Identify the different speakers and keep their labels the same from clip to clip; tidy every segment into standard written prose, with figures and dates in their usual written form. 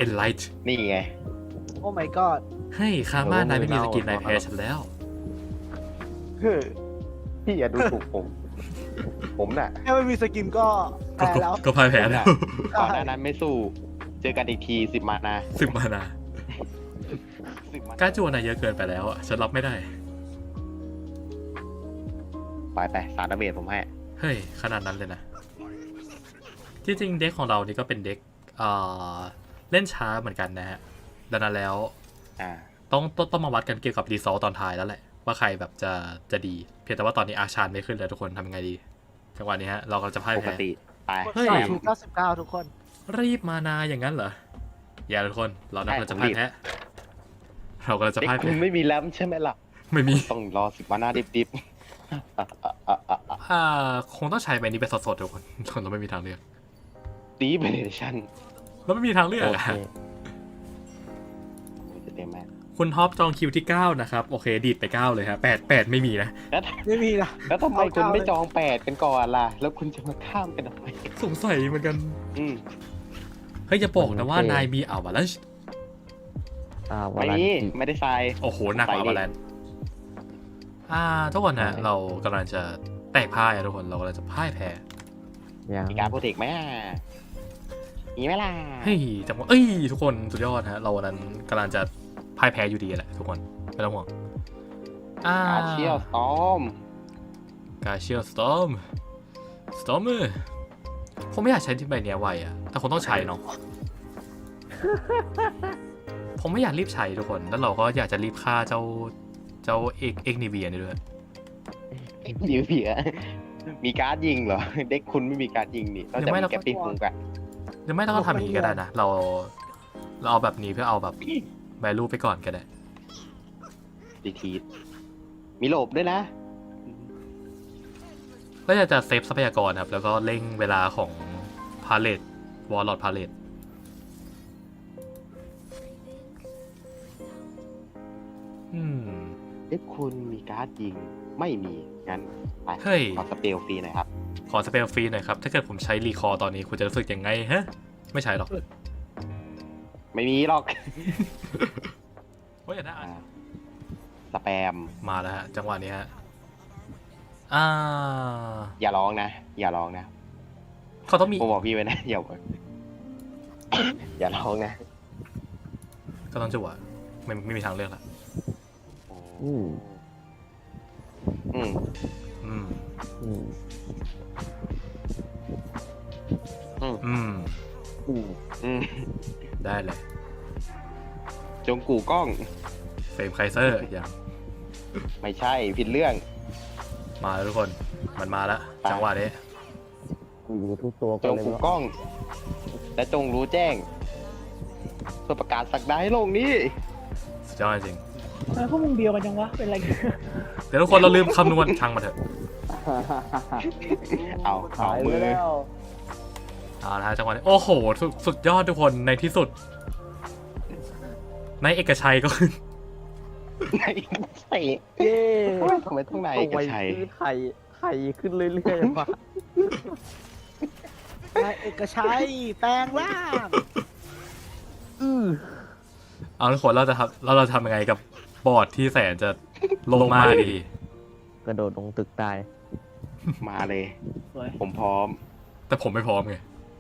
Speaker 1: Enlight
Speaker 2: นี่ไง
Speaker 3: โอ้ my god
Speaker 1: เฮ้ยคาม่านายไม่มีสกินนายแพ้ฉันแล้ว
Speaker 2: พี่อย่าดูถูกผม ผมน่ะ
Speaker 3: แค่ไม่มีสกินก็แพ้แล้ว
Speaker 1: ก็พ่ายแพ้แล้ว
Speaker 2: ก่อนหน้านั้นไม่สู้ เจอกันอีกที10 มานา
Speaker 1: 10 มานา
Speaker 2: 10 มาก
Speaker 1: ล้าจวนนายเยอะเกินไปแล้วอ่ะฉันรับไม่ได้
Speaker 2: ไปสารดาเมจผมให้
Speaker 1: เฮ้ยขนาดนั้นเลยนะที่จริงเด็กของเรานี่ก็เป็นเด็กเล่นช้าเหมือนกันนะฮะดังนั้นแล้ว
Speaker 2: อ่า
Speaker 1: ต้องมาวัดกันเกี่ยวกับรีซอลตอนท้ายแล้วแหละว่าใครแบบจะดีเพียงแต่ว่าตอนนี้อาชานไม่ขึ้นเลยทุกคนทำยังไงดีจังหวะนี้ฮะเราก็จะพ่าย
Speaker 2: ปก
Speaker 1: แพ้
Speaker 2: ติ ไป
Speaker 1: เฮ้ย
Speaker 3: ถูก99ทุกคน
Speaker 1: รีบมานาอย่างนั้นเหรออย่าทุกคนเรากำลังจะพ่ายแพ้เรากำลังจะ
Speaker 2: เด็ก
Speaker 1: พ่าย
Speaker 2: คุ
Speaker 1: แพ้
Speaker 2: ณไม่มีแรมใช่ไหมล่ะ
Speaker 1: ไม่มี
Speaker 2: ต้องรอ10 มานาดิบ
Speaker 1: คงต้องใช้ใบนี้เป็นสดๆทุกคนเราไม่มีทางเลือก
Speaker 2: ดีเบเนชั่น
Speaker 1: เราไม่มีทางเลือก
Speaker 4: โอ
Speaker 1: อะ
Speaker 4: เค
Speaker 2: จะเต็มไหม
Speaker 1: คุณท็อปจองคิวที่ 9 นะครับ โอเค ดีดไป 9 เลยครับ8ไม่มีนะ
Speaker 3: ไม่มีนะ
Speaker 2: แล้วทำไมคุณไม่จอง8กันก่อนล่ะ แล้วคุณจะมาข้ามกันทำไม
Speaker 1: สงสัยเหมือนกัน
Speaker 2: อืม
Speaker 1: เฮ้ยอย่าบอกนะว่านายมีอัลวาลันช์
Speaker 4: วา
Speaker 2: ไม่
Speaker 4: ลัน
Speaker 2: มี
Speaker 4: ติ
Speaker 2: ไม่ได้ใส่
Speaker 1: โอ้โหหนักกว่าอัลวาลันช์ทุกคนนะ
Speaker 4: ใช่
Speaker 1: เรากำลังจะแตกพ่ายอะทุกคนเรากำลังจะพ่ายแพ้
Speaker 4: ยัง
Speaker 2: มีการโปรเทคไหมมีไหมล่ะ
Speaker 1: เฮ้ยจังหวะทุกคนสุดยอดฮะเราวันนั้นกำลังจะพ่ายแพ้อยู่ดีแหละทุกคนไม่ต้องห่วง
Speaker 2: อาเชียลสตอม
Speaker 1: กาเชียลสตอมผมไม่อยากใช้ที่ใบเนี้ยไวอะแต่คงต้องใช้เนาะ ผมไม่อยากรีบใช้ทุกคน แล้วเราก็อยากจะรีบฆ่าเจ้าเอกนิเวียนี่ด้วย
Speaker 2: เดี๋ยวเผียมีการ์ดยิงเหรอ เด็กคุณไม่มีการ์ดยิงนี่เราจะมีแกปปิ้งคุงกัน
Speaker 1: หรือไม่ต้องทำอย่างนี้ก็ได้นะ เราเอาแบบนี้เพื่อเอาแบบแวลูไปก่อนก็ได้
Speaker 2: ดีทีมีโหลบด้วยนะ
Speaker 1: ก็จะเซฟทรัพยากรครับ แล้วก็เร่งเวลาของพาเลตวอลลอดพาเลต
Speaker 2: เด็กคุณมีการ์ดยิงไม่มี งั้นไป
Speaker 1: เฮ้ย
Speaker 2: ขอสเปลฟรีหน่อยครับ
Speaker 1: ขอสเปลฟรีหน่อยครับ ถ้าเกิดผมใช้รีคอร์ตอนนี้คุณจะรู้สึกยังไงฮะ ไม่ใช่หรอก
Speaker 2: ไม่มีหรอก
Speaker 1: โอ้ยอย่าได้
Speaker 2: สแปม
Speaker 1: มาแล้วฮะ จังหวะนี้ฮะ
Speaker 2: อย่าร้องนะ อย่าร้องนะ
Speaker 1: เขาต้องมี
Speaker 2: ผมบอกพี่ไว้นะ อย่า อย่าร้องนะ
Speaker 1: ก็ต้องจังหวะไม่มีทางเลือกละ
Speaker 4: อืม
Speaker 2: อืม
Speaker 1: อืม
Speaker 4: อืม
Speaker 1: อืม
Speaker 4: อืม
Speaker 2: อืม
Speaker 1: ได้เลย
Speaker 2: จงกู่กล้อง
Speaker 1: เฟรมไคเซอร์อย่าง
Speaker 2: ไม่ใช่ผิดเรื่อง
Speaker 1: มาแล้วทุกคน มันมาแล้ว จังหวะนี้
Speaker 4: อยู่ทุกตัว
Speaker 2: จ
Speaker 4: กัน
Speaker 2: ง
Speaker 4: เลย
Speaker 2: กู่
Speaker 4: วะ
Speaker 2: กล้อง และจงรู้แจ้งเพื่อประกาศสักดาให้โลกนี้
Speaker 1: สุดยอดจริง
Speaker 3: ทำไมพวกมึงเดียวกันจังวะ เป็นไรกัน
Speaker 1: เดี๋ยวทุกคนเราลืมคำนวณช่างมาเถอะ
Speaker 2: เอา
Speaker 4: หาย
Speaker 2: มื
Speaker 4: ไป
Speaker 2: อ
Speaker 4: แล้ว
Speaker 1: เอาละฮะจังหวะนี้โอ้โหสุดยอดทุกคนในที่สุดนายเอกชัยก็
Speaker 2: ไหนใส่
Speaker 4: เย้
Speaker 2: ทำไมต้องไหน
Speaker 4: เอา
Speaker 2: กับ
Speaker 4: ไว้
Speaker 2: ชัย
Speaker 4: ซื้อไข่ขึ้นเรื่อยๆมา
Speaker 3: นายเอกชัยแปลงร่าง
Speaker 1: เอาทุกคนเราจะทำยังไงกับบอร์ดที่แสนจะลงมาดี
Speaker 4: กระโดดลงตึกตาย
Speaker 2: มาเลย
Speaker 3: สวย
Speaker 2: ผมพร้อม
Speaker 1: แต่ผมไม่พร้อมไง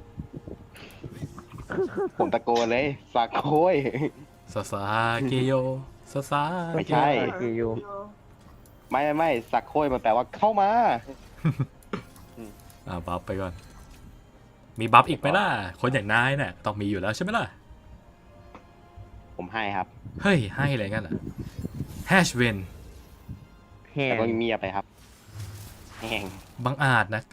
Speaker 2: ผมตะโกนเลยสักโค้ย
Speaker 1: ซาซาเกโยซาซา
Speaker 2: ไม่ใช่
Speaker 4: กิโย
Speaker 2: ไม่สักโค้ยมันแปลว่าเข้ามา
Speaker 1: บัฟไปก่อน มีบัฟอีกไหมล่ะ คนอย่างนายเนี่ยต้องมีอยู่แล้วใช่ไหมล่ะ
Speaker 2: ผมให้ครับ
Speaker 1: เฮ้ย ให้อะไรงั้นเหรอแฮชเวน
Speaker 4: แห้
Speaker 2: แต่
Speaker 4: ง
Speaker 2: ก็เงียบไปครับแห้ง
Speaker 1: บังอาจนะ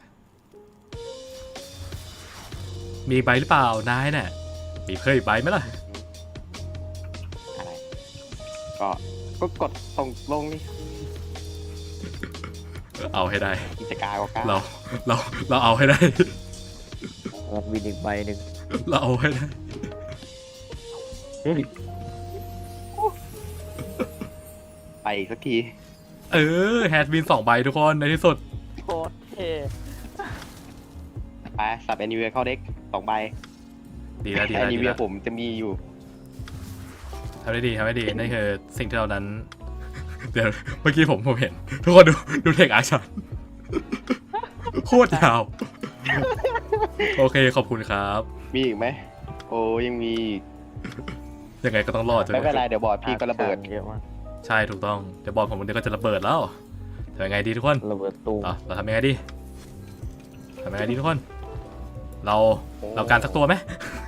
Speaker 1: มีใบหรือเปล่านายเนี่ยมีเคยใบไหมล่ะ
Speaker 2: อะไร ก็กดส่งลงนี่
Speaker 1: เอาให้ได้
Speaker 2: กิจการก็กล้า
Speaker 1: เราเอาให้ได้
Speaker 4: รับวินอีกใบหนึ่ง
Speaker 1: เราเอาให้ได้
Speaker 4: เฮ้ย
Speaker 2: ไปอีกสักที
Speaker 1: แฮชบิน2 ใบทุกคนในที่สุด
Speaker 4: โคตรเท่
Speaker 2: ไปสับแอนิเวเข้าเด็ก2 ใบ
Speaker 1: ดีแล้วดี
Speaker 2: แอ
Speaker 1: แล้ว
Speaker 2: นิ
Speaker 1: ดี
Speaker 2: เวีย
Speaker 1: แล้ว
Speaker 2: ผมจะมีอยู่
Speaker 1: ทำได้ดีทำได้ดีนั่นคือสิ่งที่เรานั้น เดี๋ยวเมื่อกี้ผมเห็น ทุกคนดูเทคอาชันโคตรยาว โอเคขอบคุณครับ
Speaker 2: มีอีกไหมโอ้ยังมีอีก
Speaker 1: ยังไงก็ต้องรอดจน
Speaker 2: ไม่เป็นไรเดี๋ยวบอร์ดพี่ก็ระเบิด
Speaker 4: เยอะมาก
Speaker 1: ใช่ถูกต้องเดี๋ยวบอลผมเดี๋ยวก็จะระเบิดแล้วทำยังไงดีทุกคน
Speaker 4: ระเบิดตูม
Speaker 1: เราทำยังไงดีทำยังไงดีทุกคน เราการสักตัวไหม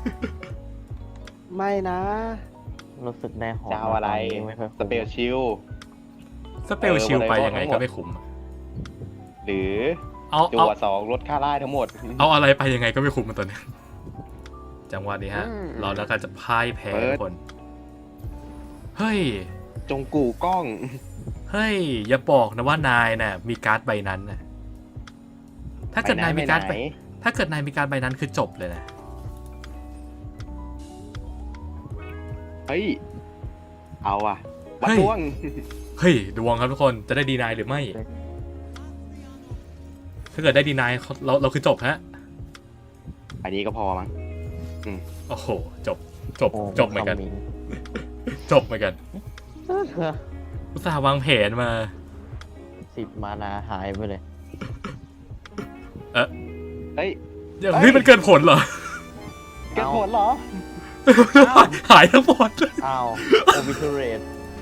Speaker 3: ไม่นะ
Speaker 4: รู้สึกได้หอม
Speaker 2: จะเอาอะไร
Speaker 4: ตนนี้ไม่ค่อย
Speaker 2: สเปลชิล
Speaker 1: สเปลชิลไปยังไงก็ไม่คุ้ม
Speaker 2: หรือ
Speaker 1: เอา
Speaker 2: จั
Speaker 1: เอา
Speaker 2: วสองลดค่าไล่ทั้งหมด
Speaker 1: เอาอะไรไปยังไงก็ไม่คุ้มมันตัวนี้จังหวะนี้ฮะ
Speaker 2: อืม
Speaker 1: เราแล้วกันจะพ่ายแพ้
Speaker 2: เปิด
Speaker 1: ทุกคน เฮ้ย
Speaker 2: จงกู่กล้อง
Speaker 1: เฮ้ย อย่าบอกนะว่านายน่ะมีการ์ดใบนั้นน่ะถ้าเกิดนายมีการ์ด
Speaker 2: ไป
Speaker 1: ใบ
Speaker 2: ไหน
Speaker 1: ถ้าเกิดนายมีการ์ดใบนั้นคือจบเลยนะ
Speaker 2: เฮ้ย เอาอ่ะวัด
Speaker 1: เฮ้ย
Speaker 2: ดวง
Speaker 1: เฮ้ยดวงครับทุกคนจะได้ดีนายหรือไม่ ถ้าเกิดได้ดีนายเราคือจบฮะ
Speaker 2: อันนี้ก็พอมั้ง
Speaker 1: โอ้โหจบ
Speaker 4: โอ้
Speaker 1: จบเหมือนกัน
Speaker 4: คำ
Speaker 1: จบเหมือนกันอุตส่าห์วางแผนมา
Speaker 4: 10 มานาหายไปเลย
Speaker 2: เฮ้ย
Speaker 1: อย่าง
Speaker 2: เฮ้ย
Speaker 1: นี้มันเกินผลเหรอ
Speaker 2: เกิดผลเหรอ
Speaker 1: หายทั้งหมด
Speaker 4: อ้าวโอบิทูเรต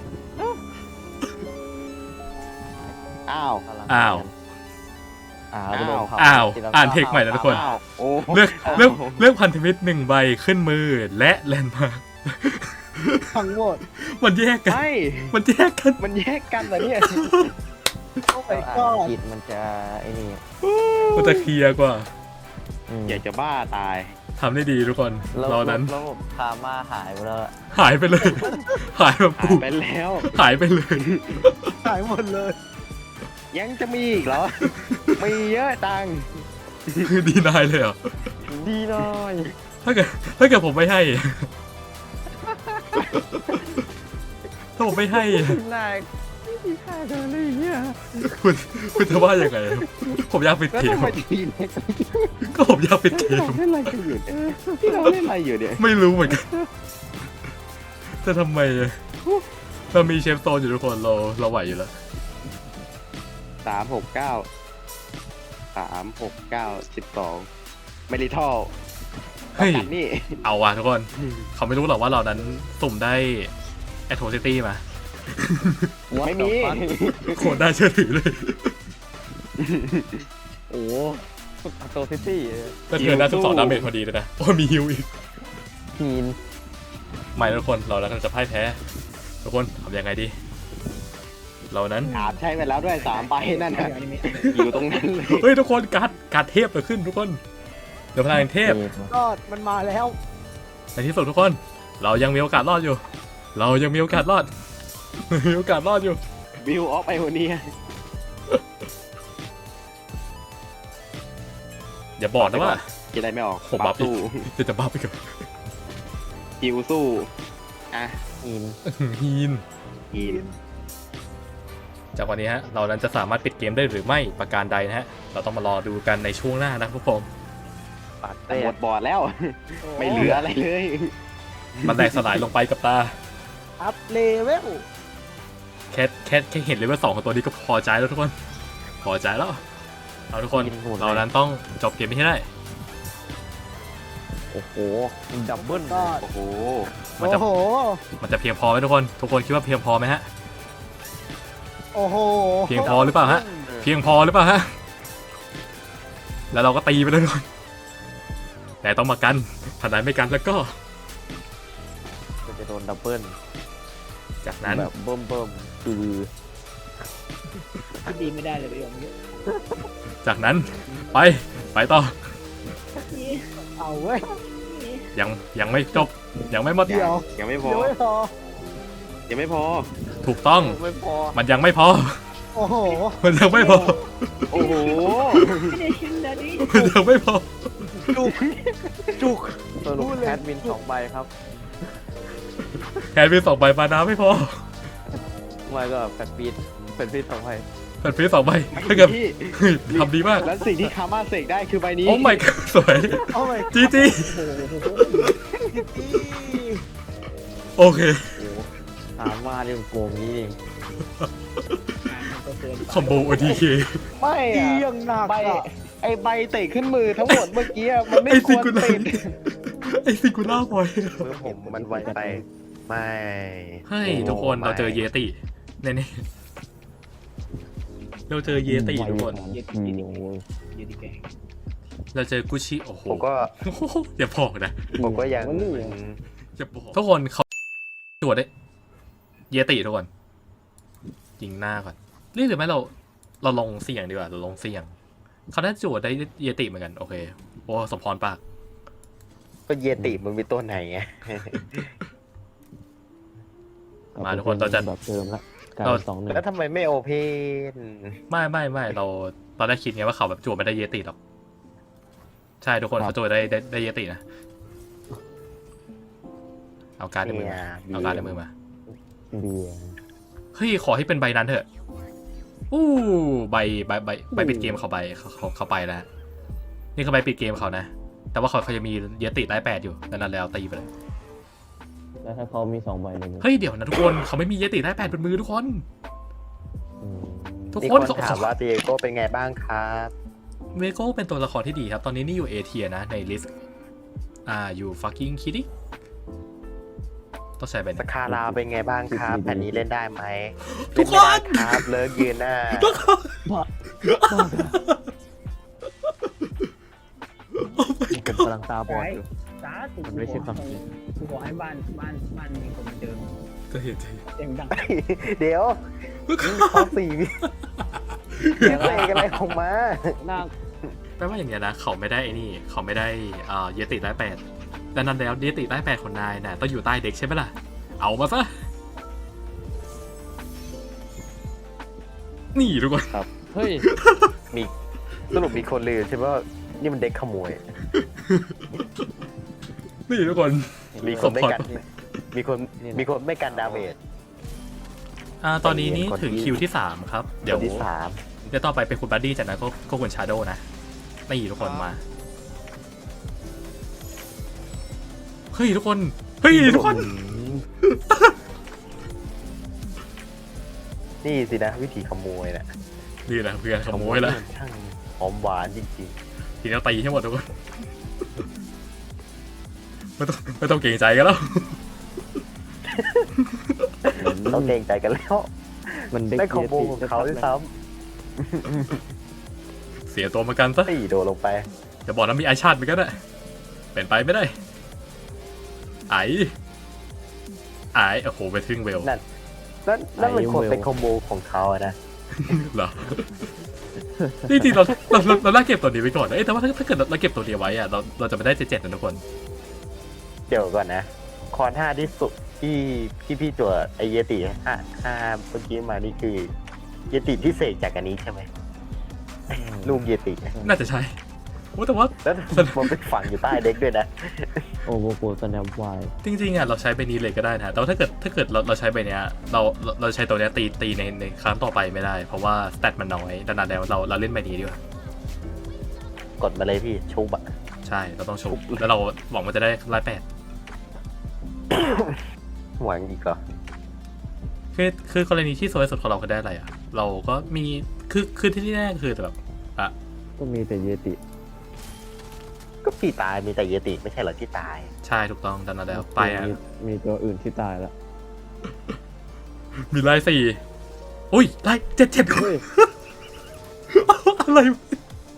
Speaker 2: อ้าว
Speaker 1: อ้าว
Speaker 4: อ้าวก็โดนเผา
Speaker 1: อ้าว
Speaker 4: ทีละ
Speaker 1: อ่านเทคใหม่แล้วทุกคน
Speaker 2: อ้าวโอ้
Speaker 1: เลือกพันธมิตร1 ใบขึ้นมือและแลนด์มาร์ค
Speaker 3: ทั้งหมด
Speaker 1: มันแยกกัน
Speaker 2: ใช่
Speaker 1: มันแยกกัน
Speaker 2: มันแยกกันเหรอเนี่ย
Speaker 3: โอ้
Speaker 4: ถ้า
Speaker 3: my
Speaker 4: อ่าน
Speaker 3: god
Speaker 4: ผิดมันจะไอ้นี่
Speaker 1: มันจะเคลียร์กว่า
Speaker 4: ม
Speaker 2: อยากจะบ้าตาย
Speaker 1: ทำได้ดีทุกคน เรานั้น
Speaker 4: ระบบคาม่าหายไปแล้วอะ
Speaker 1: หายไปเลย หายแบบ
Speaker 2: หา
Speaker 1: กู
Speaker 2: ยไปแล้ว
Speaker 1: หายไปเลย
Speaker 3: หายหมดเลย
Speaker 2: ยังจะมีอีกเหรอ มีเยอะตัง
Speaker 1: ดีนายเลยเหรอ
Speaker 4: ดีหน่อย
Speaker 1: ถ้าเกิดผมไม่ให้ ถ้าผมไม่ให้
Speaker 4: นายไม่มีค่าเดินเลยเนี่ย
Speaker 1: คุณจะว่ายังไง ผมอยากปิด
Speaker 2: แล้ว
Speaker 1: เกม
Speaker 2: ทำไมทีเล็ก
Speaker 1: ก็ผมอยากปิดเกม
Speaker 2: เราเล่นอะไรกันอยู่เนี่ยที่เราเล่นอะไรอยู่เนี่ย
Speaker 1: ไม่รู้เหมือนกันแต่ทำไมเรามีเชฟโตนอยู่ทุกคนเราไหวอยู่แล้ว
Speaker 2: 369 ไม่ได้ท่อ
Speaker 1: เฮ้ย
Speaker 2: กันนี่
Speaker 1: เอาว่ะทุกคน เขาไม่รู้หรอกว่าเรานั้นสุ่มได้แอทโทซิตี้มา
Speaker 2: ไม่มี
Speaker 1: โคตรน่าเชื่อถือเลย
Speaker 4: โอ้โตซิตี้
Speaker 1: แต่เธอได้12 ดาเมจพอดีเลยนะ โอ้มีฮิวอีก
Speaker 4: ทีน
Speaker 1: ไม่ทุกคนเราแล้วก็จะพ่ายแพ้ ทุกคนทำยังไงดี เรานั้น
Speaker 2: อาบใช้ไปแล้วด้วย3ใบนั่นนะอยู่ตรงนั้นเลย
Speaker 1: เฮ้ยทุกคนการ์ดเทพเกิดขึ้นทุกคน เดี๋ยวพลังแห่งเทพ
Speaker 3: รอดมันมาแล้ว
Speaker 1: ในที่สุดทุกคน เรายังมีโอกาสรอดอยู่ เรายังมีโอกาสรอด มีโอกาสรอดอยู่
Speaker 2: บิวออฟไอโอเนีย
Speaker 1: อย่าบอกนะว่า
Speaker 2: คิดอะไรไม่ออก
Speaker 1: ผมบัฟอีก
Speaker 2: สู้
Speaker 1: จะบ้าไปกับ
Speaker 2: ฮิวสู้อ่ะ
Speaker 4: ทีน
Speaker 1: ฮีน
Speaker 2: ฮีน
Speaker 1: จากวันนี้ฮะ เรานั้นจะสามารถปิดเกมได้หรือไม่ประการใดนะฮะ เราต้องมารอดูกันในช่วงหน้านะครับทุกคน
Speaker 4: ปาด
Speaker 2: แต่
Speaker 4: เต้
Speaker 2: หมดบอร์ดแล้ว ไม่เหลืออะไรเลย
Speaker 1: มันแตกสลายลงไปกับตา
Speaker 3: อัพเลเวล
Speaker 1: แค่เห็นเลเวล2ของตัวนี้ก็พอใจแล้วทุกคน พอใจแล้ว เอาทุกคน เรานั้นต้องจบเกมนี้ให้ได้
Speaker 4: โอ้โหดับเบิ้ล
Speaker 3: ก็
Speaker 2: โอ้โห
Speaker 1: มันจะ
Speaker 3: โอ้โห
Speaker 1: มันจะเพียงพอไหมทุกคน ทุกคนคิดว่าเพียงพอไหมฮะ
Speaker 3: โอ้โห
Speaker 1: เพียงพอหรือเปล่าฮะ เพียงพอหรือเปล่าฮะ แล้วเราก็ตีไปเลยทุกคน แต่ต้องมากันถ้านายไม่กันแล้วก็
Speaker 4: จะโดนดับเบิ้ล
Speaker 1: จากนั้น
Speaker 4: แบบเบิ่มคือ
Speaker 3: คิดดีไม่ได้เลยประโยคนี้
Speaker 1: จากนั้นไปต่อ
Speaker 3: เอาเว้ย
Speaker 1: ยังไม่จบ ยังไม่หมด
Speaker 3: เดี๋ยว
Speaker 2: ยังไม่พอ
Speaker 3: เดี๋ยวไม่พอ
Speaker 2: ยังไม่พอ
Speaker 1: ถูกต้อง
Speaker 4: ไม่พอ
Speaker 1: มันยังไม่พอ
Speaker 3: โอ้โห
Speaker 1: มันยังไม่พอ
Speaker 2: โอ้โห
Speaker 1: มันยังไม่พอ
Speaker 3: จุกจุก
Speaker 4: สรุป
Speaker 3: พูดเลย
Speaker 4: แคทวิน2 ใบครับ
Speaker 1: แค่มี2 ใบมานาไม่พอ
Speaker 4: ไม่ก็แฟนปีด2 ใบ
Speaker 1: แผ่นฟรีสองใบถ้าเกิด
Speaker 2: พี่
Speaker 1: เฮ้ยทำดีมาก
Speaker 2: แล้วสิ่งที่คาม่าเสกได้คือใบนี้
Speaker 1: โอ้ my god สวย
Speaker 4: โอ้ย
Speaker 1: จีจีโอเค
Speaker 4: ถามว่าเรื่องโกงนี้เอง
Speaker 3: ก็เกินไป
Speaker 1: คอมโบ OTK
Speaker 2: ไม่
Speaker 4: เอี
Speaker 2: อะ
Speaker 4: ยงหนัก
Speaker 2: ใบ
Speaker 4: อะ
Speaker 2: ไอใบเตะขึ้นมือทั้งหมดเมื่อกี้อะมันไม่
Speaker 1: ไอ้
Speaker 2: ควร
Speaker 1: ซิงคูล่า
Speaker 2: ติด
Speaker 1: ไอ้ซิงคูล่าบอย
Speaker 2: มือผมมันไวไป ไม่
Speaker 1: เฮ้ยทุกคนเราเจอเยติแน่ๆเราเจอเยติทุกคน
Speaker 3: ยืดแกง
Speaker 1: เราเจอกุชิโอ้โห
Speaker 2: ผมก็
Speaker 1: อย่าบอกนะ
Speaker 2: ผมก็ยัง
Speaker 1: อย่าบอกทุกคนเขาตรวจได้เยติทุกคนยิงหน้าก่อนนี่หรือไม่เราลงเสี่ยงดีกว่าเราลงเสี่ยงเขาได้จวดได้เยติเหมือนกันโอเคโอ้สมพรปาก
Speaker 2: ก็เยติมันมีตัวไหนไง
Speaker 1: มาทุกคนเราจะ
Speaker 4: แบบเดิมละการ
Speaker 1: เรา
Speaker 4: 2-1
Speaker 2: แล้วทำไมไม่โอเพน
Speaker 1: ไม่เราตอนแรกคิดไงว่าเขาแบบจวดไม่ได้เยติหรอกใช่ทุกคนเขาจวดได้เยตินะเอาการ์ดในมือมาเอาการ์ดในมือมา
Speaker 4: เบียร์
Speaker 1: เฮ้ยขอให้เป็นใบนั้นเถอะอู้ใบปิดเกมเขาเขาไปแล้วนี่คือใบปิดเกมเขานะแต่ว่าเขาจะมีเยติได้8อยู่ดังนั้นแล้วตีไปเลย
Speaker 4: แล้วถ้าเขามี2 ใบในมือ
Speaker 1: เฮ้ยเดี๋ยวนะทุกคนเขาไม่มีเยติได้8บนมือทุกคน
Speaker 4: อืม
Speaker 1: ทุก
Speaker 2: มี
Speaker 1: ค
Speaker 2: คน นถามว่าเดียโก้เป็นไงบ้างครับ
Speaker 1: เวโก้เป็นตัวละครที่ดีครับ ตอนนี้นี่อยู่เอเทียนะในลิสต์อยู่ fucking kidding ต้องใช้เป็น
Speaker 2: สคาราเป็นไงบ้างครับแผ่นนี้เล่นได้ไหม
Speaker 1: ทุกคน
Speaker 2: เล่ไม่ได้ครับเลิกยืนหน้า
Speaker 4: ผมกำลังตาบอดอยู่
Speaker 3: สาธุ
Speaker 4: มันไม่ใช่ความจริง
Speaker 3: กูขอให้บ้านมีคนมาเจอ
Speaker 1: จะเห็น
Speaker 3: เสียงดัง
Speaker 2: เดี๋ยวข้อสี่วิเสกอะไรของมา
Speaker 4: หน้า
Speaker 1: แปลว่าอย่างเงี้ยนะเขาไม่ได้ไอ้นี่เขาไม่ได้เยติได้8ดังนั้นแล้วเยติได้8ของนายน่ะต้องอยู่ใต้เด็กใช่ไหมล่ะเอามาซะนี่ทุกคน
Speaker 4: เฮ้ย
Speaker 2: มีสรุปมีคนลืมใช่ไหมว่านี่มันเด็กขโมย
Speaker 1: นี่ทุกคน
Speaker 2: มีคนไม่กันมีคนไม่กันดาเมจ
Speaker 1: ตอนนี้นี่ถึงคิวที่3ครับเดี๋ยว
Speaker 2: คนที่สาม
Speaker 1: เดี๋ยวต่อไปเป็นคุณบัดดี้จากนั้นก็คุณชาโดนะนี่ทุกคนมาเฮ้ยทุกคนเฮ้ยทุกคน
Speaker 2: นี่สินะวิธีขโมยน่ะ
Speaker 1: นี่แหละเพื่อนขโมยแล้ว
Speaker 2: มันช่างหอมหวานจริง
Speaker 1: ทีนี้ตีให้หมดทุกคนไม่ต้องเกรงใจกันแล้ว
Speaker 2: ๆต้องเกรงใจกันแล้ว
Speaker 4: มันเด็ก
Speaker 2: ได้คอมโบของเขาด้วยซ้
Speaker 1: เสียตัวเหมือนกันซะ
Speaker 2: ำตีโดนลงไป
Speaker 1: จะบอกนะมีไอชาติเหมือนกันอะเป็นไปไม่ได้ไอโอ้โหไปทึ่งเวล
Speaker 2: นั่นมันควรเป็นคอมโบของเขาอะนะ
Speaker 1: เหรอจริงๆเราล่าเก็บตัวนี้ไว้ก่อนนะแต่ว่าถ้าเกิดเราเก็บตัวนี้ไว้อะเราจะไม่ได้7นะทุกคน
Speaker 2: เดี๋ยวก่อนนะคอน5ที่สุดที่พี่จั่วไอเยติ5เมื่อกี้มานี่คือเยติที่เสกจากอันนี้ใช่ไหมลูกเยติ
Speaker 1: น่าจะใช่โอ้แต่ว่า
Speaker 2: แล้วมันเป็นฝังอยู่ใต้เด็กด้วยนะ
Speaker 4: โอ้โหโกสแนปไว
Speaker 1: จริงๆอะเราใช้ใบนี้เลยก็ได้นะแต่ว่าถ้าเกิดเราใช้ใบเนี้ยเราใช้ตัวเนี้ยตีในครั้งต่อไปไม่ได้เพราะว่าสเตตมันน้อยดังนั้นแล้วเราเล่นใบนี้ดีกว่าก
Speaker 2: ดมาเลยพี่ชุบอะ
Speaker 1: ใช่เราต้องชมแล้วเราหวังว่าจะได้108
Speaker 2: หวังอีกเหรอ
Speaker 1: คือกรณีที่สวยสุดของเราคือได้อะไรอ่ะเราก็มีคือที่แน่คือแบบอ่ะ
Speaker 4: ก็มีแต่เยติ
Speaker 2: ก็พี่ตายมีแต่เยติไม่ใช่เหรอที่ตาย
Speaker 1: ใช่ถูกต้องดังนั้นแล้วไปอ่ะ
Speaker 4: มีตัวอื่นที่ตายแล้ว
Speaker 1: มีไล่4อุ้ยไล่7
Speaker 4: เฮ้ย
Speaker 1: อะไรวะ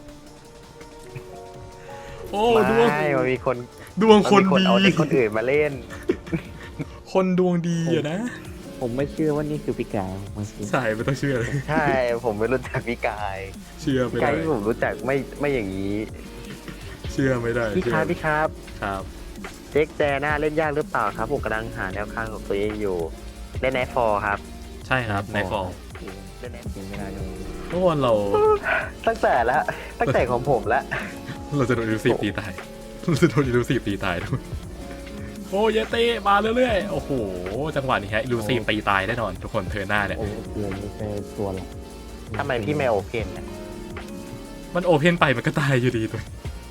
Speaker 1: โอ้ดวง
Speaker 2: ไม่มันมีคน
Speaker 1: ดวงคน
Speaker 2: มันมี
Speaker 1: ดี
Speaker 2: เอาเด็กคนอื่นมาเล่น
Speaker 1: คนดวงดีอะนะ
Speaker 4: ผมไม่เชื่อว่านี่คือพิการมันคือ
Speaker 1: ใช่ไม่ต้องเชื่อเลย
Speaker 2: ใช่ผมไม่รู้จักพี่กาย
Speaker 1: เชื่อไม่
Speaker 2: พี่กา
Speaker 1: ได้
Speaker 2: ยที่ผมรู้จักไม่อย่างนี้
Speaker 1: เชื่อไม่ได้
Speaker 2: พี่ครับพี่ครับ
Speaker 1: ครับ
Speaker 2: เด็กแจน่าเล่นยากหรือเปล่าครับผมกำลังหาแนวข้างของตัวเองอยู่เล่นไนท์ฟอร์ครับ
Speaker 1: ใช่ครับในฟอร์
Speaker 2: เล่นไนท์
Speaker 4: กินไม่ได้เลย
Speaker 1: ทุกคนเรา
Speaker 2: ตั้งแต่ของผมละ
Speaker 1: เราจะโดนอิลูซีฟตีตายเราจะโดนอิลูซีฟตีตายทุกคนโอ้เยเต้มาเรื่อยๆโอ้โหจังหวะนี้ฮะอิลูซีฟตีตายแน่นอนทุกคนเธอหน้าเนี่ย
Speaker 4: โอ้เกลือไม่ใช่ตัวหลัก
Speaker 2: ทำไมพี่ไม่โอเพนนะ
Speaker 1: มันโอเพนไปมันก็ตายอยู่ดีตัว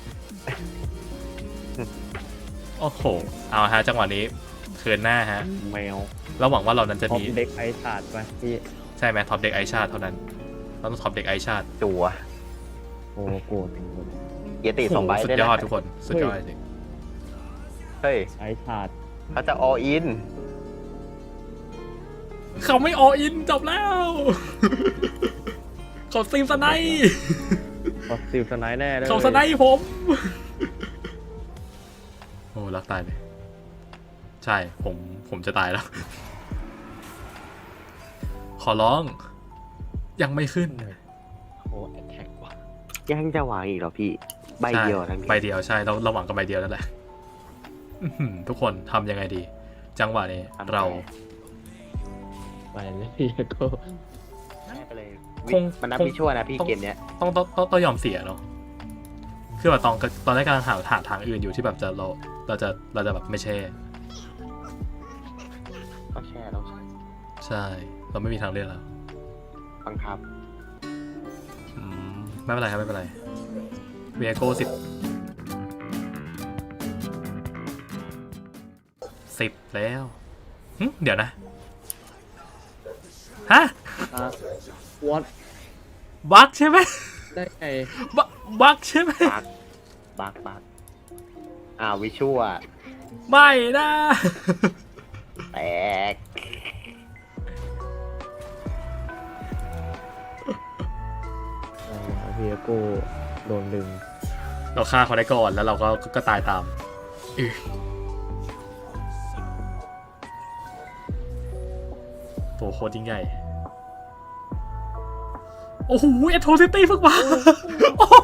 Speaker 1: โอ้โห เอาฮะจังหวะนี้เทิร์นหน้าฮะ
Speaker 4: แมว
Speaker 1: เราหวังว่าเรานั้นจะ
Speaker 4: ท็อป
Speaker 1: มี
Speaker 4: เด็กไอชาร์ดไปพี่
Speaker 1: ใช่ไหมท็อปเด็กไอชาติเท่านั้น เราต้องท็อปเด็กไอชาติ
Speaker 2: จัว
Speaker 4: โอโบโกถึงหมด
Speaker 2: เยติสองใบ
Speaker 1: สุด
Speaker 2: ได้
Speaker 1: ย
Speaker 2: นะ
Speaker 1: อดทุกคน สุดยอดจริง
Speaker 2: เฮ้ย
Speaker 4: ไอชาร์ด
Speaker 2: เขาจะ all in
Speaker 1: เขาไม่ออินจบแล้ว เขาซีมสไนป์
Speaker 4: พอซิลสไนด์แน่เลย
Speaker 1: เขาสไนป์ผม โอ้รักตายเลย ใช่ผมจะตายแล้ว ขอร้อง ยังไม่ขึ้น
Speaker 3: โอ้แอทแทกว่ะ
Speaker 2: ยังจะหวังอีกเหรอพี่ ใบเดียวทั้งนี้
Speaker 1: ใบเดียวใช่เราหวังกับใบเดียวนั่นแหละอื้อหือทุกคนทำยังไงดี จังหวะนี้เรา
Speaker 4: ไปเลยพี่ก็
Speaker 2: แม่ไปเลย
Speaker 1: คง
Speaker 2: มันนับ
Speaker 1: คง
Speaker 2: ไม่ชั่วนะพี่
Speaker 1: ต้อง
Speaker 2: เกมเนี้ย
Speaker 1: ต้องยอมเสียเนาะคือแบบตอนแรกกำลังหาทางอื่นอยู่ที่แบบเราจะแบบไม่แช่
Speaker 2: ต้องแช่ต้องแช่
Speaker 1: ใช่ เราไม่มีทางเลือกแล้ว
Speaker 2: บังคับ
Speaker 1: อืมไม่เป็นไรครับไม่เป็นไรเวียโก้10แล้วเดี๋ยวนะฮะ
Speaker 4: วอต
Speaker 1: บั๊กใช่ไหม
Speaker 4: ได้ไง
Speaker 1: บั๊กใช่ไหม
Speaker 2: บักวิชั่ว
Speaker 1: ไม่นะ
Speaker 2: แตก
Speaker 4: พี่โก้โดนดึง
Speaker 1: เราฆ่าเขาได้ก่อนแล้วเราก็ตายตามตัวโคตรยิ่งใหญ่โอ้โหเอโทซิตี้เพิ่งมาโอ้โห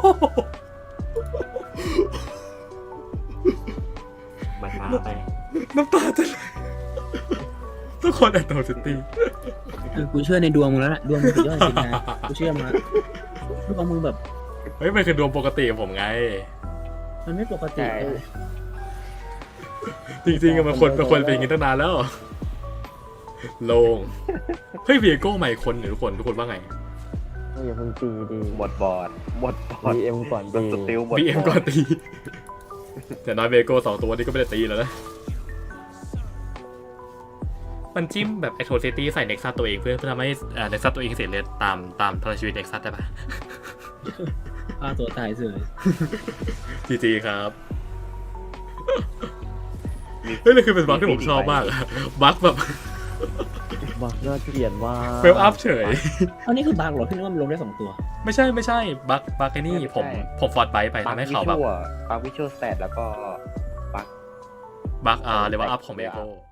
Speaker 2: มาช้าไป
Speaker 1: น้ำตาจะไหลทุกคนเอโทซิตี้
Speaker 3: คือกูเชื่อในดวงมึงแล้วแหละดวงมึงสุดยอดจริงนะกูเชื่อมาดวงมึงแบบ
Speaker 1: เฮ้ยมันคือดวงปกติของผมไง
Speaker 3: มันไม่ปกติเลย
Speaker 1: จริงๆอะมันควรเป็นอย่างนี้ตั้งนานแล้วโลงเฮ้ยเวียโก้ใหม่คนเนี่ยทุกคนว่าไง
Speaker 4: ก็อย่าเพิ่งตีดี
Speaker 2: หมดบอร์ด
Speaker 4: BM ก่อน
Speaker 2: โดน
Speaker 4: ดี
Speaker 2: สติลหมด
Speaker 1: บีเอ็มก่อนตี แต่น้อยเวโก้2 ตัวนี้ก็ไม่ได้ตีแล้วนะ มันจิ้มแบบไอโทซิตี้ใส่เน็กซัสตัวเองเพื่อทำให้เน็กซัสตัวเองเสียเลือดตามพลังชีวิตเน็กซัสได้ปะ
Speaker 3: ฆ่าตัวตายเฉย
Speaker 1: จีครับเฮ้ยนี่คือเป็นบั๊กที่ผมชอบมากอะบั๊กแบบ
Speaker 4: บักน่าเกลียดว่า
Speaker 1: เวลอัพเฉย
Speaker 3: อันนี้คือบางเหรอพี่นึกว่ามันลงได้2 ตัว
Speaker 1: ไม่ใช่บั๊กไอ้นี่ผมฟอร์ดไบไปทำให้เขาแบบ
Speaker 2: บักวิชั่วสแตทแล้วก็
Speaker 1: บั๊กเลเวลอัพของเวโก้